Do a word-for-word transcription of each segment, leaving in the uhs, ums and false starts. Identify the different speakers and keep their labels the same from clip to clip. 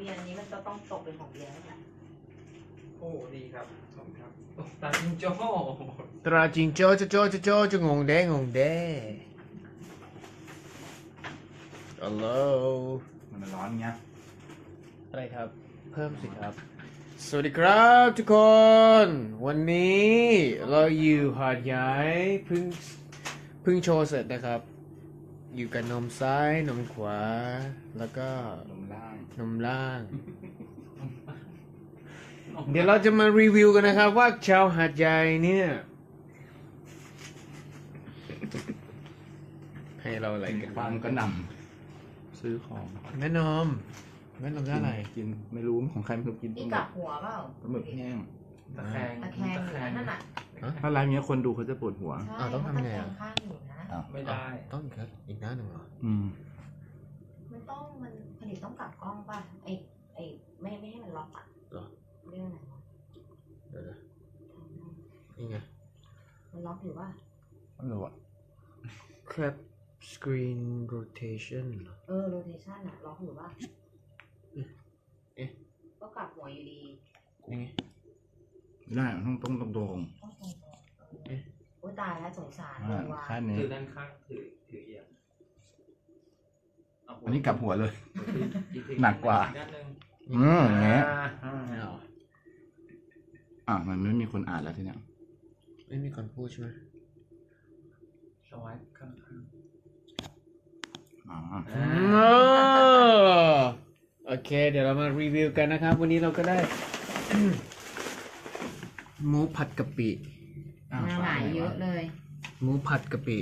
Speaker 1: บียร์นี้มันจะต้องตกเป็นของเบียร์แล้วเนี่ย
Speaker 2: โอ้ดีครับขอบคุณครับตาจิงโจ้
Speaker 3: ตราจิงโจ้โจ้โจ้โจ้จะงงแดงงงแดฮัลโหล
Speaker 4: มันร้อนเงี้ย
Speaker 3: อะไรครับเพิ่มสิครับสวัสดีครับทุกคน วันนี้เราอยู่หาดใหญ่เพิ่งเพิ่งโชว์เสร็จนะครับอยู่กับนมซ้ายนมขวาแล้วก็
Speaker 4: นมล่าง
Speaker 3: นมล่าง เดี๋ยวเราจะมารีวิวกันนะครับว่าชาวหาดใหญ่เนี่ยให้เราอะไรกัน
Speaker 4: ความก็นำซื้อของ
Speaker 3: แม่นมแม่นมได้อะไร
Speaker 4: กินไม่รู้ของใครไม่รู้กินป
Speaker 1: นี่
Speaker 4: ลาหมึ
Speaker 1: กลั
Speaker 4: ก
Speaker 1: บหัวเปล่า
Speaker 4: ปลาหมึกแห้ง
Speaker 2: ตะแคง
Speaker 1: ตะแคงอยู่นะนั่นน่ะ
Speaker 4: ถ้าร้านนี้คนดูเขาจะปวดหัว
Speaker 1: ใช่
Speaker 3: อ้าวต้องทำไง
Speaker 1: ตะแค
Speaker 3: อ่ะ
Speaker 1: งข้างอยู่นะ
Speaker 4: อ้าว
Speaker 2: ไม่ได้
Speaker 3: ต้องอีกครับอีกหน้าหนึ่งเหรอ
Speaker 4: อืม
Speaker 1: มันต้องมันผลิตต้องกลับกล้องป่ะไอไอไม่ไม่ให้มันล็อกอ่ะ
Speaker 3: เหรอ
Speaker 1: เรื่องอะไรวะ
Speaker 3: เดี๋ยวนะนี่ไง
Speaker 1: มันล็อกอยู่ป่ะ
Speaker 4: ไม่รู้อ่ะ
Speaker 3: crab screen rotation เหรอ
Speaker 1: เออโรเทชันอะล็อกอยู่ป่ะ
Speaker 3: เอ๊ะ
Speaker 1: ก็กลับหัวอยู่ดี
Speaker 3: นี่ไง
Speaker 4: ไม่ได้ต้องต้องตรงตรง
Speaker 1: ต้องตรงๆเออโอ้ยตายแล้วสงสาร
Speaker 4: ๆ
Speaker 1: เล
Speaker 4: อ่าย
Speaker 1: ว่ะ
Speaker 4: ค่านี้
Speaker 2: ถือด้านข้างถือถือเอียงเาหัว
Speaker 4: อันนี้กลับหัวเลย
Speaker 2: อีที
Speaker 4: หนักกว่า
Speaker 2: อีด้านหนึ่ง
Speaker 4: อืมอย่างเงี้ย
Speaker 2: อ่า
Speaker 3: ไม่เอา
Speaker 4: อ่ะมันไม่มีคนอ่านแล้วทีเนี้ย
Speaker 3: ไม่มีคนพูดใช่ไหม
Speaker 2: สวายข้างข้าง
Speaker 4: อ๋อ
Speaker 2: อ่า
Speaker 3: อ๋อโอเค เดี๋ยวเรามารีวิวกันนะครับ วันนี้เราก็ได้ หมูผัดกะปิ
Speaker 4: อ้าว
Speaker 1: มาหลายเยอะเลย
Speaker 3: หมูผัดกะปิ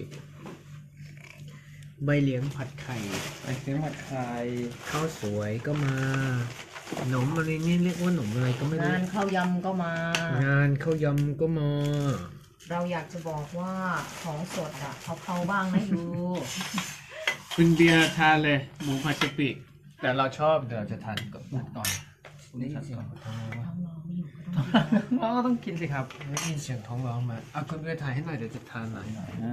Speaker 3: ใบเหลียงผัดไข่
Speaker 2: ไอเสียงผัดไทย
Speaker 3: ข้าวสวยก็มาขนมอะไรนี่เรียกว่าขนมอะไรก็ไม่รู้
Speaker 1: งานข้าวยำก็มา
Speaker 3: งานข้าวยำก็มา
Speaker 1: เราอยากจะบอกว่าของสดอะเขาเขาบ้างนะอยู่
Speaker 3: คุณเบียร์ทานเลยหมูผัดกะปิ แต่เราชอบเดี๋ยวเราจะทานกับนัดก่อนได้ยินเสียงท้องร้อง
Speaker 1: น้
Speaker 3: มา
Speaker 1: องๆไม่อยู่ก็ต้อง
Speaker 2: น้องก็ต้องกินสิครับ
Speaker 3: ได้ยินเสียงท้องร้องมาอ่ะคุณเบียร์ถ่ายให้หน่อยเดี๋ยวจะทานหน่อย
Speaker 4: ใช่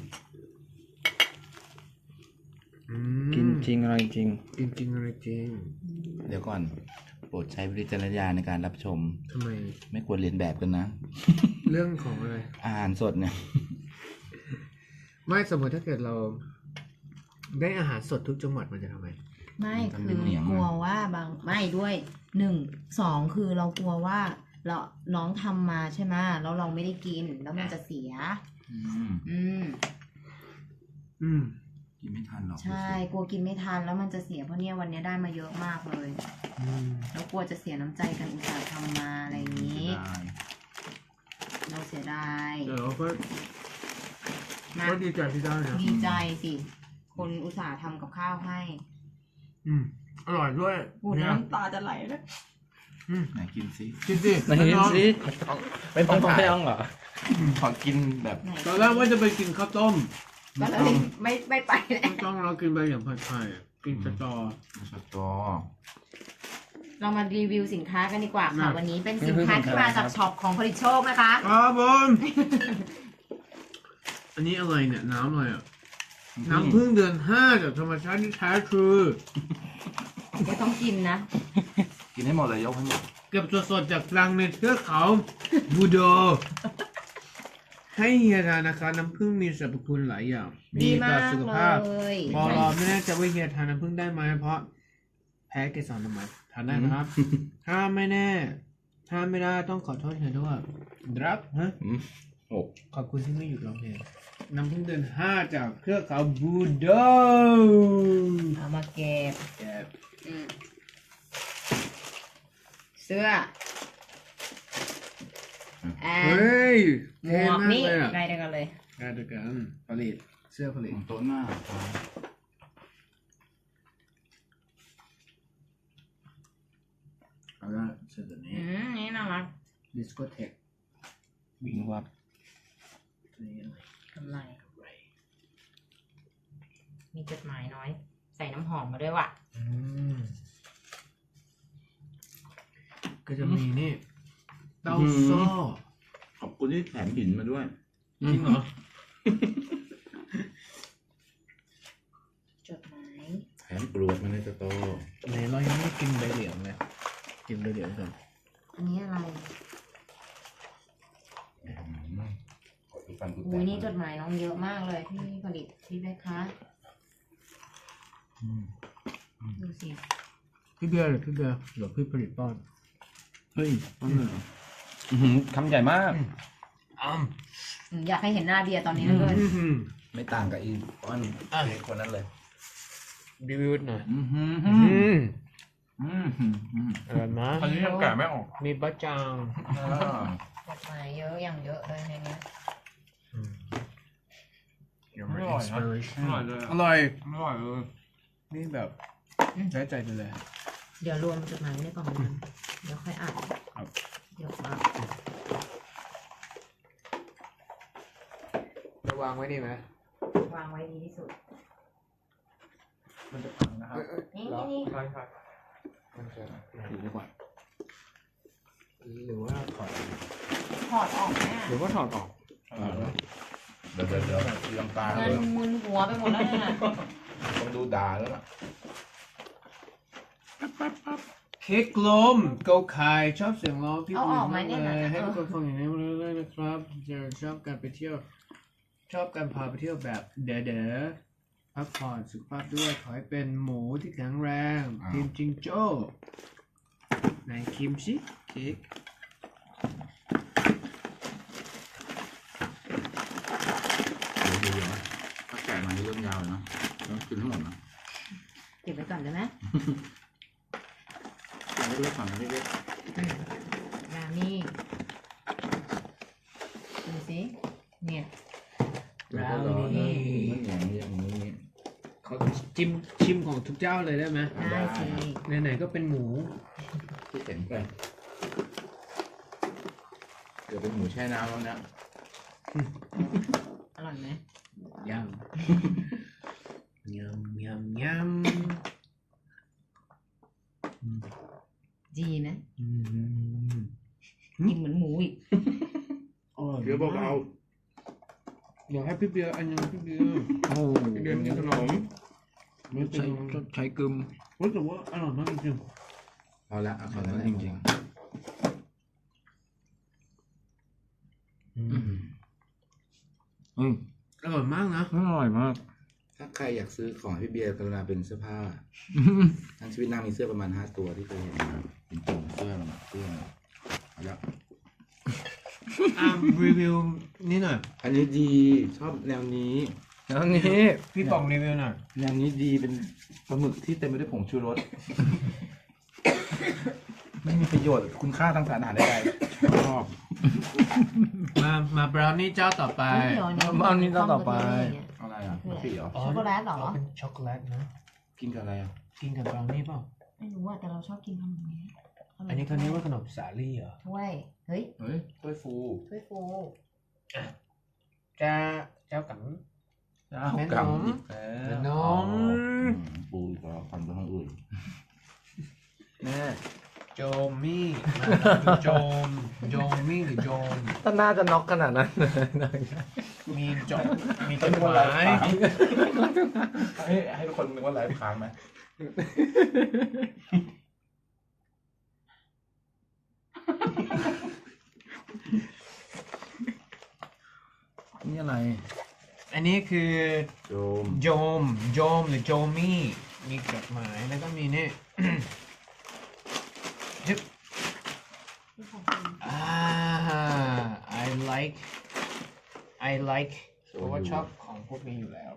Speaker 3: อืม
Speaker 2: กินจริงอะไรจริง
Speaker 3: กินจริงอะไรจริง
Speaker 4: เดี๋ยวก่อน โปรดใช้วิจารณญาณในการรับชม
Speaker 3: ทำไม
Speaker 4: ไม่ควรเรียนแบบกันนะ
Speaker 3: เรื่องของอะไร
Speaker 4: อาหารสดเนี่ย
Speaker 3: ไม่สมมติถ้าเกิดเรา ได้อาหารสดทุกจังหวัดมันจะทำไม
Speaker 1: ไม่
Speaker 4: มัน
Speaker 1: คื
Speaker 4: เป็น
Speaker 1: อ
Speaker 4: เหนียง
Speaker 1: กลัวว่าบางไม่ด้วยหนึ่งสองคือเรากลัวว่าเราน้องทำมาใช่ไหมแล้วเราไม่ได้กินแล้วมันจะเสีย
Speaker 4: อืม
Speaker 1: อืม
Speaker 3: อืม
Speaker 4: กินไม่ทันหรอก
Speaker 1: ใช่กลัวกินไม่ทันแล้วมันจะเสียเพราะเนี่ยวันนี้ได้มาเยอะมากเลย
Speaker 3: อืม
Speaker 1: แล้วกลัวจะเสียน้ำใจกันอุตส่าห์ทำมาอะไรอย่างนี้
Speaker 4: ได้
Speaker 1: เราเสียดาย
Speaker 3: เดี๋ยวเราก็
Speaker 1: นะ
Speaker 3: ก็ดีใจที่ได้นะ
Speaker 1: ดีใจสิ คนอุตส่าห์ทำกับข้าวให้
Speaker 3: อืมอร่อยด้วย
Speaker 1: พูด
Speaker 3: เนี่ย
Speaker 1: น้ำตาจะไหลแล้ว
Speaker 3: อืม
Speaker 4: ไหนกินซิ
Speaker 3: กินสิ
Speaker 2: ไหนกินสิ ไม่ต้องไม่ต้องเหรอ
Speaker 4: ขอกินแบบ
Speaker 1: ไหน
Speaker 3: ตอนแรกว่าจะไปกินข้าวต้ม
Speaker 1: ก็เลยไม่ไม่ไปแล้ว
Speaker 3: ไม่ต้องเรากินใบเหลียงผัดไทยกินสตอ
Speaker 4: สตอ
Speaker 1: เรามารีวิวสินค้ากันดีกว่าค่ะ
Speaker 3: น่ะ
Speaker 1: วันนี้เป็นสินค้าที่มาจากช็อปของผลิตโชคนะคะ
Speaker 3: ครับผมอันนี้อะไรเนี่ยน้ำอะไรอ่ะ น้ำพึ่งเดือนห้าจากธรรมชาติที่แท้ทรู
Speaker 1: ไม่ต้องกินนะ
Speaker 4: กินให้หมดเลยยกให้หมด
Speaker 3: เก็บสดๆจากรังในเทือกเขาบูโด ให้เฮียทานนะคะน้ำผึ้งมีสรรพคุณหลายอย่าง
Speaker 1: ดี
Speaker 3: ต่
Speaker 1: มา
Speaker 3: อก สุขภาพ
Speaker 1: เลย
Speaker 3: บอรอไม่แน่ใจว่าเฮียทานน้ำผึ้งได้ไหมเพราะ แพ้เกสรดอกไม้ทานได้นะครับ ถ้าไม่แน่ ถ้าไม่ได้ต้องขอโทษเฮียด้วยครับฮะ
Speaker 4: อืมโอ้
Speaker 3: ขอบคุณที่ไม่หยุดร้องเพลงน้ำผึ้งเดือนห้าจากเทือกเขาบูโด
Speaker 1: เอามาเก็บ
Speaker 3: แอบ
Speaker 1: อืมเสื้อแอ
Speaker 3: เฮ
Speaker 1: น้
Speaker 3: ย
Speaker 1: หม
Speaker 3: เท่
Speaker 1: วก
Speaker 3: มาก
Speaker 1: นี่
Speaker 3: เลยอ่ะ
Speaker 1: ใกล้เดียวกันเลย
Speaker 3: งานเดียวกันผลิตเสื้อผลิต
Speaker 4: ของโต๊ะหน้า
Speaker 3: เอาละเสื้อตัวนี้
Speaker 1: อืมนี่น่ารัก
Speaker 3: ดิสโกเทค
Speaker 4: วิ่งวับ
Speaker 3: นี่อะไร
Speaker 1: กำไร มีจดหมายน้อย ใส่น้ำหอมมาด้วยว่ะ
Speaker 3: อืมก็จะมีนี่เต้าซ้อ
Speaker 4: ขอบคุณที่แถมหินมาด้วย
Speaker 3: จริงเหรอ
Speaker 1: จดหมาย
Speaker 4: แถมกรวดมาในสตอ
Speaker 3: ไหนเรายังไม่กินใบเหลียงเลยกินใบเหลียงก่อน
Speaker 1: อันนี้อะไร
Speaker 4: ขอดูฟันกูแต
Speaker 1: อุ้ย
Speaker 4: ก
Speaker 1: นี่จดหมายน้องเยอะมากเลยพี่ผลิตพี่เบคคะ
Speaker 3: อืม
Speaker 1: ดูสิ
Speaker 3: พี่เบียร์หรือพี่เบียร์หรือพี่ผลิตป้อน
Speaker 4: เฮ้ยป้อนเลยเหรออื้อหือคำใหญ่มาก
Speaker 3: อ้ำ
Speaker 1: อืมอยากให้เห็นหน้าเบียร์ตอนนี้เหลย
Speaker 4: ไม่ต่างกับอีป้อนเด็กคนนั้นเลย
Speaker 3: รีวิวหน่อย
Speaker 4: อือหือ
Speaker 3: อื
Speaker 4: อื
Speaker 3: ม
Speaker 4: มอืมอืม
Speaker 3: อร่อยมาก
Speaker 4: อันนี้ยังแกะไม่ออก
Speaker 3: มีบะจาง
Speaker 4: อ่า
Speaker 1: จดหมายเยอะอย่างเยอะเลยในนี้
Speaker 2: อร่อยนะอร่อยเลย
Speaker 3: อร่อย
Speaker 2: อร่อยเลย
Speaker 3: นี่แบบใช้ใจไปเลย
Speaker 1: เดี๋ยวรวมจดหมายไว้ในกล่องนั้นเดี๋ยวค่อยอ่าน
Speaker 3: ครับ
Speaker 1: เดี๋ยวมา
Speaker 3: ระวางไว้ดีไหม
Speaker 1: วางไว้ดีที่สุด
Speaker 2: มันจะพังนะครับ
Speaker 1: นี่
Speaker 3: เหรอ
Speaker 1: นี่
Speaker 2: ใช่ใช่
Speaker 3: มันจะ
Speaker 4: ถือดีกว่า
Speaker 3: หรือว่าถอด
Speaker 1: ถอดออกแม่
Speaker 3: หรือว่าถอดออก
Speaker 4: อ่าเดี๋ยวเดี๋ยวเดี๋ยวตีลังกา
Speaker 1: เงิ
Speaker 4: เล
Speaker 1: น
Speaker 4: ย
Speaker 1: มึนหัวไปหมดแล้วเนี่ย
Speaker 4: ต้องดูด่าแล้วล่ะ
Speaker 3: เค้กลมโกคายชอบเสียงร้องพี่
Speaker 1: เอาออกมาเนี่ย
Speaker 3: เล
Speaker 1: นะ
Speaker 3: ยให้
Speaker 1: เอ
Speaker 3: ทุ
Speaker 1: อก
Speaker 3: คนฟังอย่างนี้เรื่อยๆนะครับจะชอบการไปเที่ยว ชอบการพาไปเที่ยวแบบเด๋อๆพักผ่อนสุขภาพด้วยขอให้เป็นหมูที่แข็งแรงทีมจิงโจ้ไหนคิมชิเค้ก
Speaker 4: เดี๋ยวเดี๋ยวนะถ้าแกะมาเรื่องยาวเลยนะต้องกินทั้งหมดนะ
Speaker 1: เก็บไว้ก่อนได้ไหม
Speaker 4: เอาเล็กๆก่อนนะเล็ก
Speaker 1: งานนี่ดูสิเนี่ย
Speaker 4: ๆเดี๋ยวก็รอนะมันอย่างนี้อย่างนี้อย่างนี้
Speaker 3: เขาจิ้มชิมของทุกเจ้าเลยได้ไหม
Speaker 1: ได้สิ
Speaker 3: ไหนๆก็เป็นหมู
Speaker 4: ที่เห็นไปเดี๋ยวเป็นหมูแช่น้ำแล้วนะ
Speaker 1: อร่อยไหม
Speaker 3: ยำ ยำยำยำ
Speaker 1: ดีไหม
Speaker 3: อืม
Speaker 1: กินเหมือนหมูอีก
Speaker 3: อร่อย
Speaker 4: เดี๋ยวเบา
Speaker 3: เดี๋ยวให้พี่เบียร์อันยังพี่เบียร์
Speaker 4: ๆโอ้
Speaker 3: พี่เบียร์กินขนมไม่เป็น
Speaker 4: ใช้ใช้กึม
Speaker 3: รู้สึกว่าอร่อยมากจริง
Speaker 4: พอละเอาแค่นั้นจริง
Speaker 3: ๆ
Speaker 4: ๆอืมอืม
Speaker 3: อร่อยมากนะ
Speaker 4: อร่อยมาก ถ้าใครอยากซื้อของให้พี่เบียร์กรุณาเป็นเสื้อผ้า ทั้งชีวิตนางมีเสื้อประมาณห้าตัวที่เคยเห็นนะเป็นตุ่มเสื้อมันเสื้อเอาละ
Speaker 3: อ่ารีวิวนี่หน่อย
Speaker 4: อันนี้ดีชอบแนวนี้แนวนี้
Speaker 3: พี่ป๋องรีวิวหน่อย
Speaker 4: แนวนี้ดีเป็นปลาหมึกที่เต็มไปด้วยผงชูรส ไม่มีประโยชน์คุณค่าทางสารอาหารใดๆชอบ
Speaker 3: มามาบราวนี่เจ้าต่อไป
Speaker 1: เดี๋ยวนี้
Speaker 4: บ้านนี้ต้องต่อไป
Speaker 1: เนี่ย
Speaker 4: อะไรอ่ะมะปีเหรอ
Speaker 3: อ๋อ
Speaker 1: ช็อกโกแลตเหรอ
Speaker 3: เป็นช็อกโกแลตนะ
Speaker 4: กินกับอะไรอ่ะ
Speaker 3: กินกับบราวนี่เปล่า
Speaker 1: ไม่รู้อะแต่เราชอบกินขนมนี้
Speaker 3: อันนี้เขาเรียกว่าขนมสาลี่เหรอ
Speaker 1: ถ้วย เฮ้ย
Speaker 4: เฮ้ยถ้วยฟู
Speaker 1: ถ้วยฟู
Speaker 3: จะเจ้ากับ
Speaker 4: จ้า
Speaker 3: แม่น
Speaker 4: กำ
Speaker 3: ม
Speaker 4: อีก
Speaker 3: แม่
Speaker 4: แล้ว
Speaker 3: นม
Speaker 4: อืมปูอีกแล้วฟันไปทางอื่นแม่
Speaker 3: โจมมี่โจมโจมมี่หรือโจม
Speaker 4: ถ้าน่าจะน็อกขนาดนั้น
Speaker 3: มีจดมีจดหมาย
Speaker 4: ให้ให้ทุกคนนึกว่าไลฟ์ค้างไหมนี่อะไร
Speaker 3: อันนี้คือ
Speaker 4: โจม
Speaker 3: โจมโจมหรือโจมี่มีจดหมายแล้วก็มีนี่ จึ๊บอ่า I like I like เพราะว่าชอบของพวกนี้อยู่แล้ว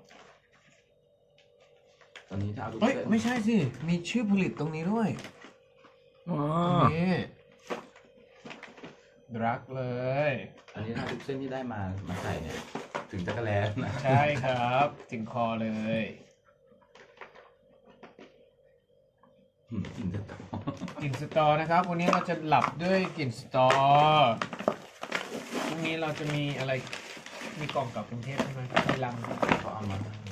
Speaker 4: ตอนนี้ถ้าเอาทุก
Speaker 3: เฮ้ย
Speaker 4: เส้น
Speaker 3: ไม่ใช่สิ มีชื่อผลิตตรงนี้ด้วย
Speaker 4: อ๋อ
Speaker 3: ตรงนี้รักเลย
Speaker 4: อันนี้ถ้าทุกเส้นที่ได้มามาใส่เนี่ย ถึงจะกระแลนะ
Speaker 3: ใช่ครับ ถึงคอเลย
Speaker 4: อืมกินจะต่อก
Speaker 3: ลิ่นสตอนะครับ วันนี้เราจะหลับด้วยกลิ่นสตอพรุ่งนี้เราจะมีอะไร มีกล่องกลับกรุงเทพใช่ไหมมีลัง
Speaker 4: เขาเอามา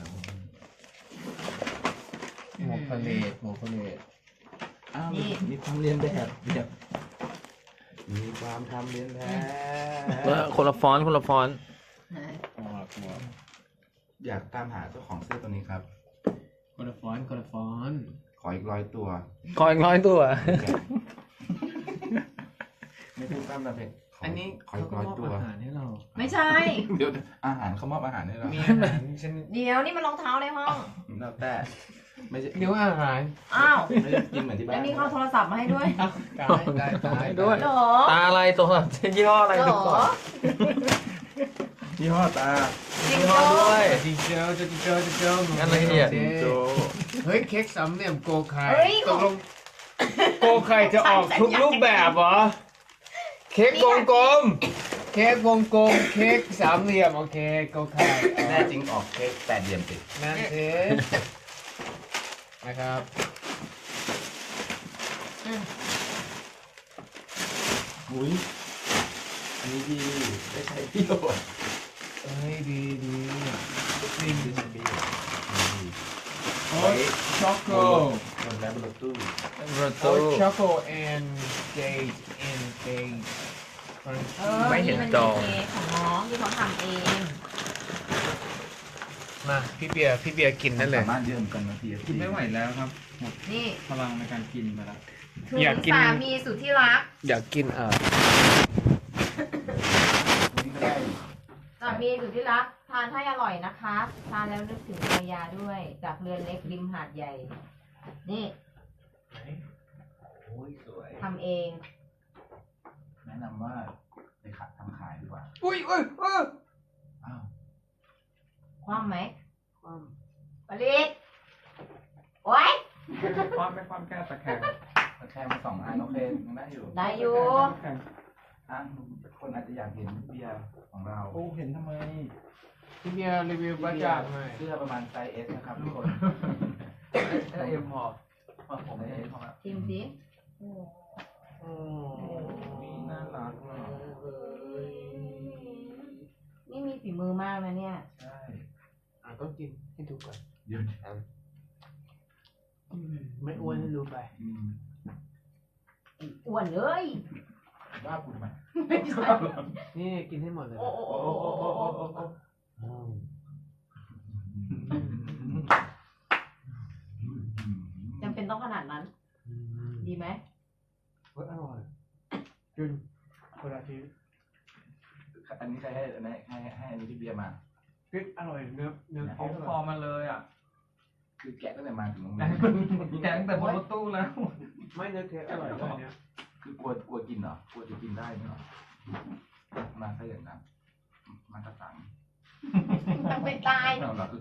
Speaker 3: หมกทะเลหมกทะเล
Speaker 4: อ้าวมีมีความเรียนแบบแบบมีความทำเรียนแบบ
Speaker 5: คนละฟอนต์คนละฟอนต์
Speaker 1: ไหน
Speaker 3: หมกหมก
Speaker 4: อยากตามหาเจ้าของเสื้อตัวนี้ครับ
Speaker 3: คนละฟอนต์คนละฟอนต์
Speaker 4: ขอออีกร้อยตัว
Speaker 3: ขออีกร้อยตัว
Speaker 4: ไม่พูดตั้มนะเพชรข
Speaker 3: อันนี้
Speaker 4: ขออีกร้อยตัว
Speaker 3: อาหารให้เรา
Speaker 1: ไม่ใช่
Speaker 4: เดี๋ยวอาหารเขามอบอาหารให้เรา
Speaker 3: มีอาหารฉัน
Speaker 1: เดี๋ยวนี่มันรองเท้าในห้อง
Speaker 4: แล้วแต่ไม่ใช่
Speaker 3: เดี๋ยวอาหาร
Speaker 1: อ้าว
Speaker 4: ไม่ได้กินเหมือนที่บ้า
Speaker 1: แล้ว
Speaker 4: น
Speaker 1: นี่เขาเอาโทรศัพท์มาให้ด้วย
Speaker 3: ได้ได้ได้
Speaker 5: ด้วย
Speaker 1: เหรอ
Speaker 5: ตาอะไรตัวยี่ห้ออะไร
Speaker 1: เหร
Speaker 5: ดูก่อน
Speaker 1: อ
Speaker 4: ยี่ห้อตา
Speaker 1: จริง
Speaker 5: ยี่ห้อ
Speaker 1: โจ้
Speaker 5: ด้วย
Speaker 3: จิงเจ้าจิงเจ้าจิงเจ้า
Speaker 5: งั้นละเอียด
Speaker 4: โจ
Speaker 3: เฮ้ยเค้กสามเหลี่ยมโกไข่
Speaker 1: เฮ้ย
Speaker 3: ตกลงโกไข่จะออกทุกรูปแบบเหรอ เค้กวงกลม เค้กวงกลม เค้กสามเหลี่ยมโอเคโกไข่
Speaker 4: แน่จริงออกเค้กแปดเหลี่ยมติด
Speaker 3: นั่นสินะครับ
Speaker 4: อุ้ยอันนี้ดีได้ใช้ประโยชน์
Speaker 3: เฮ้ยดีดีดี
Speaker 4: ได้ใช้ประโยชน์ดี
Speaker 3: โอ้ยช็อกโก
Speaker 4: โดนแล้วบนรถตู้
Speaker 5: รถ
Speaker 3: โอ้
Speaker 5: ตู้
Speaker 3: ยช็อกโก and date and date
Speaker 1: เออ
Speaker 5: ไม่เห็น
Speaker 1: มั
Speaker 5: จอ
Speaker 1: มีเค้กของน้องที่เขาทำเอง
Speaker 3: มาพี่เบียร์พี่เบียร์กินนั่นเลย
Speaker 4: สามารถเยื่อมกันนาที
Speaker 2: กินไม่ไหวแล้วครับ หมด
Speaker 1: นี่
Speaker 2: พลังในการกินไปแล้ว
Speaker 1: ถึง
Speaker 3: อยากกิน
Speaker 1: สามีสุดที่รัก
Speaker 3: อยากกินเออ
Speaker 4: นี่ก็ได้
Speaker 1: สามีสุดที่รัก ทานให้อร่อยนะคะ ทานแล้วนึกถึงภรรยาด้วย จากเรือนเล็กริมหาดใหญ่ นี่
Speaker 4: โอ้ยสวย
Speaker 1: ทำเอง
Speaker 4: แนะนำว่าไปขัดทำขายดีกว่า
Speaker 3: อุ้ยอุ้ยอุ้ย
Speaker 4: อ้าว
Speaker 1: คว่ำไหมปลิดโอ๊ย
Speaker 2: ความไม่ความแก้ตะแคง
Speaker 4: ก็แค่มาสองอันโอเคยังได้อยู่
Speaker 1: ได้อยู่
Speaker 4: อ่ะคนอาจจะอยากเห็นเบียร์ของเรา
Speaker 2: โอ้เห็นทำไม
Speaker 3: พี่เบียร์รีวิวประจานหน่อย
Speaker 4: เสื้อประมาณไซส์ S นะครับทุกคน
Speaker 2: เอ็มพอ
Speaker 4: ผมไม่ได้เพราะว่า
Speaker 1: ชิมสิ
Speaker 3: โอ้
Speaker 2: นี่น่ารักเนาะ
Speaker 1: นี่มีฝีมือมากนะเนี่ย
Speaker 4: ใช่
Speaker 3: อ่ะต้องกินให้ดูก่อน
Speaker 4: เดี๋ยว
Speaker 3: ไม่อ้วนให้รู้ไป
Speaker 4: อืม
Speaker 1: อ้วนเลย
Speaker 4: ว่าคุณทำไม
Speaker 1: ไม่ใช่
Speaker 3: นี่กินให้หมดเลย
Speaker 1: โอ้โอ้โอ้โอ้โอ้โอ้โอ้โอ้
Speaker 3: อืม
Speaker 1: จำเป็นต้องขนาดนั้น
Speaker 3: อืม
Speaker 1: ดีไหม
Speaker 3: เฮ้ยอร่อยกินคนละที
Speaker 4: อันนี้ใครให้อันนี้ให้ให้อันนี้พี่เบียร์มา
Speaker 3: พริกอร่อยเนื้อเนื้อ
Speaker 2: เขา
Speaker 3: เค้กอ
Speaker 2: ค
Speaker 3: ร่
Speaker 2: อ
Speaker 3: อย
Speaker 2: มาเลยอ่ะ
Speaker 4: คือแกะตั้งแต่มาถึงโรงเรี
Speaker 2: แก
Speaker 4: ยน
Speaker 2: งแต่บนรถตู้แล้ว
Speaker 3: ไม่เนื้อเค้กอร่อยเลยเนี่ย
Speaker 4: คือกลัวกลัวกินเหรอกลัวจะกินได้ไหมเหรอมาซะอย่างนั้นมาตะตัง
Speaker 1: มันเป็นตาย
Speaker 4: เราเราคือ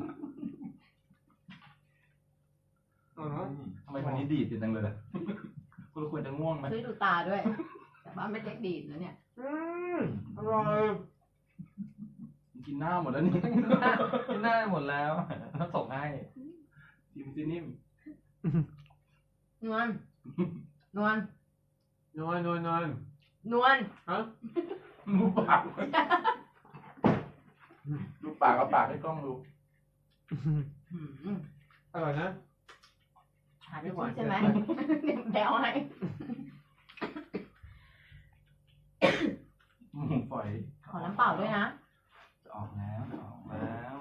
Speaker 3: อ๋อ
Speaker 4: ทำไมวันนี้ดีดจังเลยล่ะคุณควรจะง่วงไหม
Speaker 1: ช่วยดูตาด้วย แต่ว่าไม่เล็กดีดนะเนี่ย
Speaker 3: อืมอร่อย
Speaker 4: กินหน้าหมดแล้วนี่
Speaker 2: กินได้หมดแล้วแล้วส่งให้
Speaker 4: จิมซินิ่ม
Speaker 1: นวล นวล
Speaker 3: นอนนอนนอน
Speaker 1: นวล
Speaker 3: ฮะ
Speaker 4: ดูปากดูปากกับปากให้กล้องดู
Speaker 1: หืม
Speaker 3: อร่อยนะ
Speaker 1: หาที่พูดใช่ไหมเดี๋ยวแบวให้
Speaker 4: หมูฝอย
Speaker 1: ขอน้ำเปล่าด้วยนะ
Speaker 4: จะออกแล้วจะออกแล้ว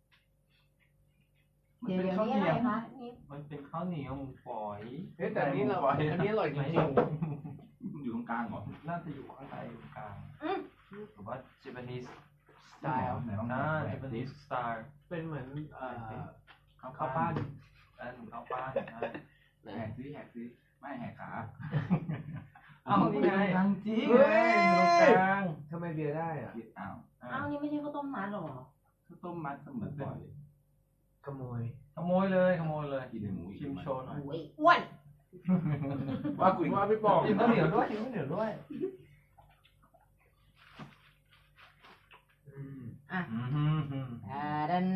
Speaker 4: มัน
Speaker 1: เดี๋ยว
Speaker 4: เป็น
Speaker 1: เดี๋ยว
Speaker 4: ข้าว
Speaker 1: นี่
Speaker 4: เห
Speaker 1: อะไร
Speaker 4: นียว
Speaker 1: คะนี่
Speaker 2: มันเป็นข้าวเหนียวหมูฝอย
Speaker 3: เฮ้ยแต่อันนี้เราอันนี้อร่อยจริง
Speaker 4: อยู่ตรงกลางเหรอ
Speaker 2: น่าจะอยู่ข้างในตรงกลาง
Speaker 1: อืม
Speaker 2: หรือว่า Japanese
Speaker 4: สไตล์ไหนลอง
Speaker 2: น่า
Speaker 4: แหวกดิ
Speaker 2: Japanese style
Speaker 3: ๆเป็นเหมือนเอ่อ
Speaker 4: ข้าว
Speaker 3: ข้าว
Speaker 4: ปั้
Speaker 3: ปั้
Speaker 4: น
Speaker 3: น
Speaker 2: อันข้าวปั้นนะ
Speaker 4: แหกซิแหกซิไม่แหกขา
Speaker 2: เอานี่ไง
Speaker 4: ทางจริง
Speaker 2: เฮ้ยอยู่ตรงกลาง
Speaker 3: ทำไมเบียร์ได้อ่ะ
Speaker 4: อ้าว
Speaker 1: อ้าวนี่ไม่ใช่ข้าวต้มมัดหรอ
Speaker 4: ข้าวต้มมัดเสมือนบ่อย
Speaker 3: ขโมย
Speaker 2: ขโมยเลยขโมยเลย
Speaker 4: กินในหมูอีก
Speaker 2: ชิมโชว์หน่อย
Speaker 1: โอ้ยอ้วน
Speaker 4: ว่ากุย
Speaker 3: ว่าพี่บอก
Speaker 2: กินข้าวเหนียวด้วยกินข้าวเหนียวด้วย
Speaker 3: อืม
Speaker 1: อ่ะ
Speaker 2: อืม
Speaker 1: อ่าดัน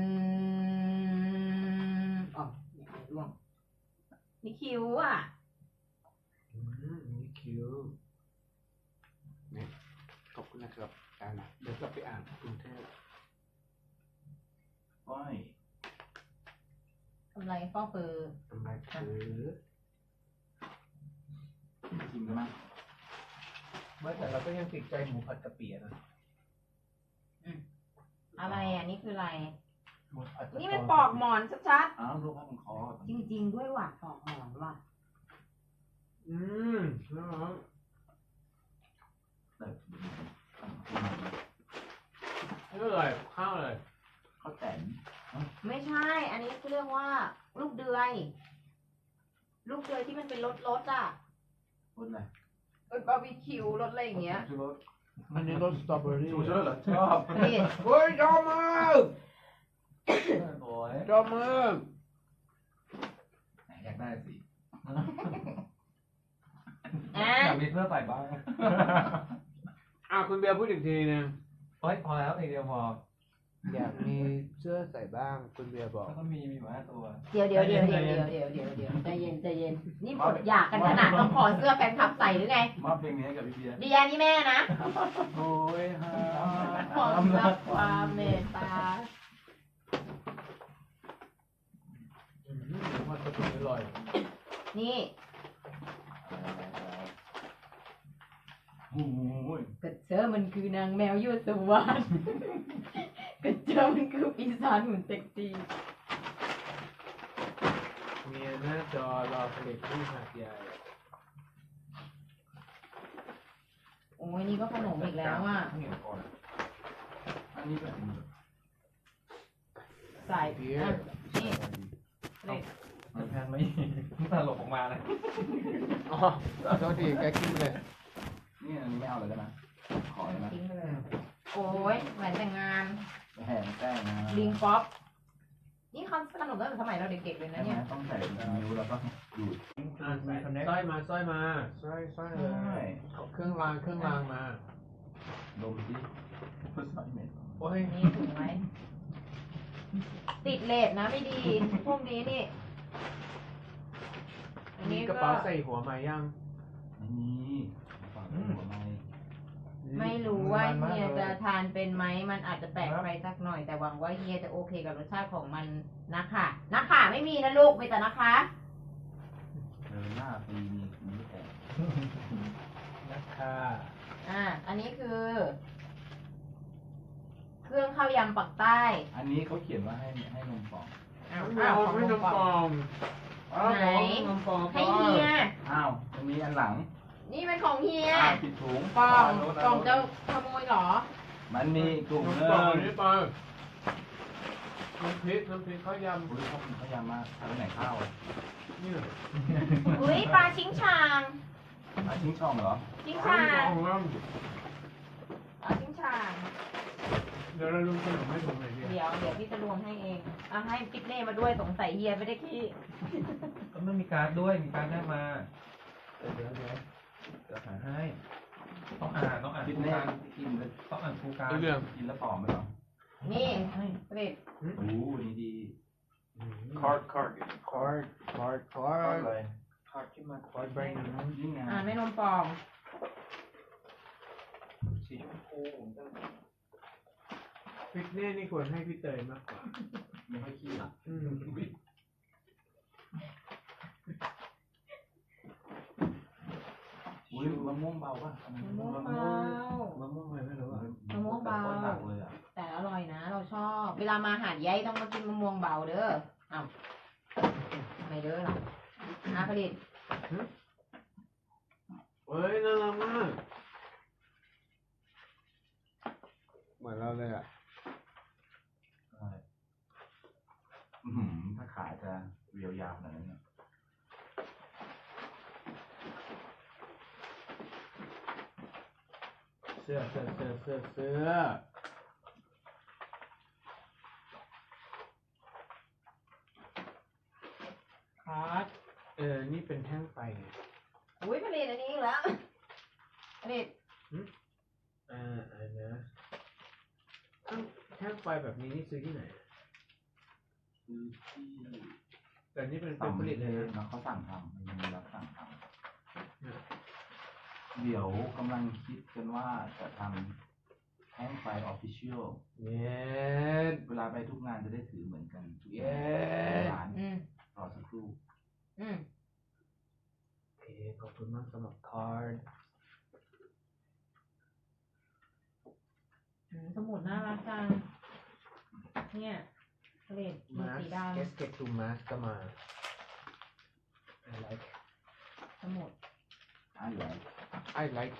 Speaker 1: อ๋ออย่าไปร่วงนี่คิ้วอ่ะ
Speaker 3: อืมนี่คิวเนี่ยขอบคุณนะครับอ่านเดี๋ยวกลับไปอ่านกรุงเทพ
Speaker 4: ก้อย
Speaker 1: ทำไรฟอกเฟอร์
Speaker 3: ทำไมคือ
Speaker 4: ชิมกันไหม
Speaker 3: ไม่แต่เราก็ยังติดใจหมูผัดกะปินะ
Speaker 1: อะไรอ่ะนี่คืออะไร
Speaker 4: ห
Speaker 1: นี่มันปอกหมอนชัด
Speaker 4: อ้าวลูกว่ามันคอ
Speaker 1: ๆจริงๆด้วยว่ะปอกหมอนว่ะ
Speaker 3: อืมนะครับ
Speaker 4: เออ
Speaker 3: นี่อะไรข้าวอะไร
Speaker 4: เขาแตน
Speaker 1: ไม่ใช่ อันนี้เรียกว่าลูกเดือย ลูกเดือยที่มันเป็นรสรสอ่ะ
Speaker 4: พูดอะไร
Speaker 1: รสบาร์บีคิวรสอะไรอย่างเงี้ย
Speaker 4: ชูรส
Speaker 3: อันนี้รสสตรอเบอรี่
Speaker 4: ชูรสเหรอชอบ
Speaker 1: นี่
Speaker 3: เฮ้ยชอบมาก
Speaker 5: โอ้ย
Speaker 3: ชอบมาก
Speaker 4: อยากได้สิ
Speaker 1: อ่ะ
Speaker 5: อยากมีเสื้อใส่บ้าง
Speaker 3: อ่ะคุณเบียร์พูดอีกทีนึง
Speaker 5: เฮ้ยพอแล้วอีกเดียวพอ
Speaker 3: อยากมีเสื้อใส่บ้างคุณเบียร์บอก
Speaker 5: แล้วก็มีมีหมาห้าตัว
Speaker 1: เดี๋ยวเดี๋ยวเดี๋ยวเดี๋ยวเดี๋ยวเดี๋ยวเดี๋ยวเดี๋ยวใจเย็นใจเย็น นี่หมดอยากกันขนาดต้องขอเสื้อแฟนคลับใส่หรือไง
Speaker 4: มอบเพลงนี้ให้กับพี่เบียร์
Speaker 1: เดียนี่แม่นะ
Speaker 4: โอ้ยฮะ
Speaker 1: ความรักความเมตตา
Speaker 3: อืมมันจะเป็นอร่อย
Speaker 1: นี่
Speaker 4: โอ้ย
Speaker 1: กระเจอมันคือนางแมวยั่วสวรรค์กระเจอมันคือปีศาจหุ่นเซ็กซี่
Speaker 3: เมียหน้าจอรอผลิตที่หาดใหญ่
Speaker 1: โอ้ยนี่ก็ขนมอีกแล้วอ่ะ
Speaker 4: เงียบก่อนอันนี้แบบ
Speaker 1: ใส่อ่ะนี่เล็ก
Speaker 5: มันแพนไม่ตลกออกมาเลย
Speaker 3: อ๋อโทษทีแกกินเลย
Speaker 4: นี่อันนี้ไม่เอาเลยได้ไหมขอได้ไหม
Speaker 1: ทิ้งไปเลยโอ้ยแหวนแต่งงาน
Speaker 4: แห้งแป้งนะ
Speaker 1: ลิงป๊อป นี่เขาขนมตั้งแต่สมัยเราเด็กๆเลยนะ
Speaker 4: ใช่ไหม
Speaker 1: เนี่ย
Speaker 4: ต้องใส่นิ้วแล้วก็ดูด
Speaker 3: อ่ะใส่สร้อยมาสร้อยมาสร้อยสร้อยเลยเอาเครื่องรางเครื่องรางมา
Speaker 4: ดมสิพุทธเหม็น
Speaker 3: โอ้ย
Speaker 1: นี่ถูกไหมติดเลสนะไม่ดี พวกนี้นี่ อัน
Speaker 3: มี
Speaker 1: นี้
Speaker 3: กระ
Speaker 1: ก็
Speaker 3: เป๋าใส่หัวมายัง
Speaker 4: ไม่มีฝากหัวไม่
Speaker 1: ไม่รู้ว่าเฮียจะทานเป็นไหม มันอาจจะแปลกไปสักหน่อย แต่หวังว่าเฮียจะโอเคกับรสชาติของมันนะคะนะคะไม่มีนะลูกมีแต่นะคะ
Speaker 4: เดินหน้าปีมีมีแต่
Speaker 3: นะคะ
Speaker 1: อ่า อันนี้คือ เครื่องข้าวยำปักใต้
Speaker 4: อันนี้เขาเขียนว่าให้ให้นมฟอง
Speaker 1: อ้าว
Speaker 3: ไม่
Speaker 1: อ้าว
Speaker 3: เอา
Speaker 1: ของ
Speaker 3: ไม่
Speaker 1: น
Speaker 3: น
Speaker 1: ม
Speaker 3: ม
Speaker 1: ป
Speaker 3: ป
Speaker 1: อ
Speaker 3: อง ม
Speaker 1: ไหน
Speaker 3: นมปอง
Speaker 1: ให้เฮีย
Speaker 4: อ้าวอันนี้อันหลัง
Speaker 1: นี่เป็นของเฮีย
Speaker 4: อ้าวผิดถุง
Speaker 1: ปอง
Speaker 4: โน้น
Speaker 1: ปองจะขโมยเหรอ
Speaker 4: มันมีถุง
Speaker 3: นม
Speaker 4: เนื้
Speaker 3: ป
Speaker 4: อ
Speaker 3: องนี่ปองน้ำพริกน้ำพริกข้าวยำ
Speaker 4: อุ้ยเขาพยายามมาทำไหนข้าวอ่ะ
Speaker 3: นี่
Speaker 1: อุ้ยปลาชิงช่าง
Speaker 4: มาทิ้งช่องเหรอ
Speaker 1: ชิง
Speaker 3: ข้า
Speaker 1: ช่าว ง
Speaker 3: ของเรา
Speaker 1: ปลาชิงช่าง
Speaker 3: เดี๋ยวเราลุงขนมให้ผมหน่อยดิ
Speaker 1: เดี๋ยวเดี๋ยวพี่จะรวมให้เองเอาให้ปิ๊กเน่มาด้วยสงสัยเฮียไม่ได้ขี้
Speaker 5: ก็ไม่มีการ์ดด้วยมีการ์ดได้มา
Speaker 3: เดี๋ยวเดี๋ยวเดี๋ยว
Speaker 5: เดี๋ยวหาให้ต้องอ่านต้องอ่าน
Speaker 4: คิด
Speaker 5: ฟู
Speaker 4: แน่
Speaker 5: การ์ด
Speaker 4: กินแล้ว
Speaker 5: ต้องอ่านฟูการ์ด
Speaker 3: เรื่อง
Speaker 4: กินแล้วผอมไหมเหรอ
Speaker 1: นี่เปรต
Speaker 4: โอ้นี่ดี
Speaker 3: คอร์ดคอร์ดคอร์ดคอร์ดคอร์ด
Speaker 4: เลย
Speaker 3: คอร์ดขึ้นมาคอร์ดแบงค์
Speaker 4: นี่ไง
Speaker 1: อ่านไม่นมปอง
Speaker 5: สีชมพู
Speaker 3: พริกเน่นี่ควรให้พี่เตยมากกว่า
Speaker 4: ไม่ค่อยขี้อ่ะ
Speaker 3: อืม
Speaker 4: อุ้ยมะม่วงเบาป่ะ
Speaker 1: มะม่วงเบาม
Speaker 3: ะม่วงอะไรไม่รู้อ่ะ
Speaker 1: มะม่วงเบา
Speaker 4: หนักเลยอ่ะ
Speaker 1: แต่อร่อยนะ เราชอบ เวลามาหาดใหญ่ต้องมากินมะม่วงเบาเด้ออ้าวไม่เด้อหรออาผลิต
Speaker 3: เฮ้ยน่ารักมากเหมือนเราเลยอ่ะ
Speaker 4: ใช่อื้อหือถ้าขาจะเรียวยาวขนาดนั้นเนี่ย
Speaker 3: เสื้อเสื้อเสื้อเสื้อเสื้อคาร์ดเออนี่เป็นแท่งไฟไง
Speaker 1: อุ้ยผลิตอันนี้อีกแล้วผลิต
Speaker 3: อ่าอันนะอ้าวแท่งไฟแบบนี้นี่ซื้อที่ไหน
Speaker 4: คือที่
Speaker 3: แต่นี่เป็นเป็
Speaker 4: สั่
Speaker 3: น
Speaker 4: ง
Speaker 3: ผลิตเลยนะ
Speaker 4: นะเขาสั่งทำมันมีรับสั่งทำเดี๋ยวกำลังคิดกันว่าจะทำแท่งไฟออฟฟิเชียล
Speaker 3: เย็ด
Speaker 4: เวลาไปทุกงานจะได้ถือเหมือนกันทุกอ
Speaker 3: เย็
Speaker 4: ย่าง
Speaker 3: ด
Speaker 4: ร้าน
Speaker 1: อืม
Speaker 4: รอสักครู่
Speaker 1: อืม
Speaker 3: โอเคขอบคุณมากสำหรับคาร์ด
Speaker 1: อืมสมุดน่ารักจัง เนี่ยเล่นมี
Speaker 3: มา
Speaker 1: สีด
Speaker 3: เกสเกตทูมาสก็มา I like
Speaker 1: ำสมุด
Speaker 4: อ่ะเหรอ
Speaker 3: I like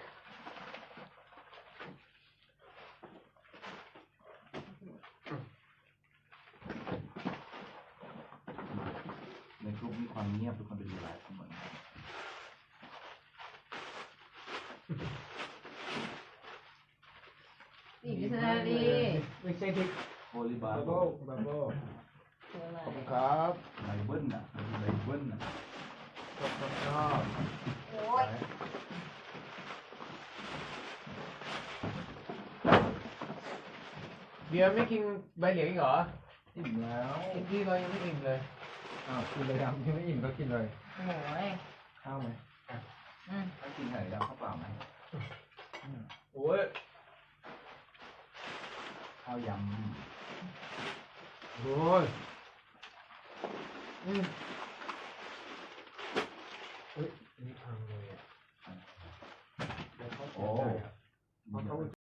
Speaker 4: ในกลุ่มมีความเงียบทุกคนไปดูไลฟ์ทั้งหมด
Speaker 1: สีดิสนารี
Speaker 3: ไม่ใช่ที่
Speaker 4: โอลิบา
Speaker 3: บับ
Speaker 4: โบ
Speaker 3: เบิ้ลบับเบิ้ล
Speaker 1: คืออะไร
Speaker 3: ขอบคุณครับ
Speaker 4: ไบเบิลน่ะไบเบิลน่ะ
Speaker 3: ชอบชอบชอบ
Speaker 1: โอ้ย
Speaker 3: เบียร์ไม่กินใบเหลียงอีกเหรอ
Speaker 5: อิ่มแล้ว
Speaker 3: กินที่เรายังไม่กินเลย
Speaker 5: อ้าวกินเลยครับที่ไม่อิ่มก็กินเลย
Speaker 1: โอ้ย
Speaker 5: ข้าวไหม
Speaker 1: อืม
Speaker 4: ถ้ากินไข่ดาวข้าวเปล่าไหม
Speaker 3: โอ้ย
Speaker 4: ข้าวยำ
Speaker 3: โอ้ยอืมเฮ้ยอันนี่พังเลยอ่ะ
Speaker 4: โอ้
Speaker 3: เพราะเขา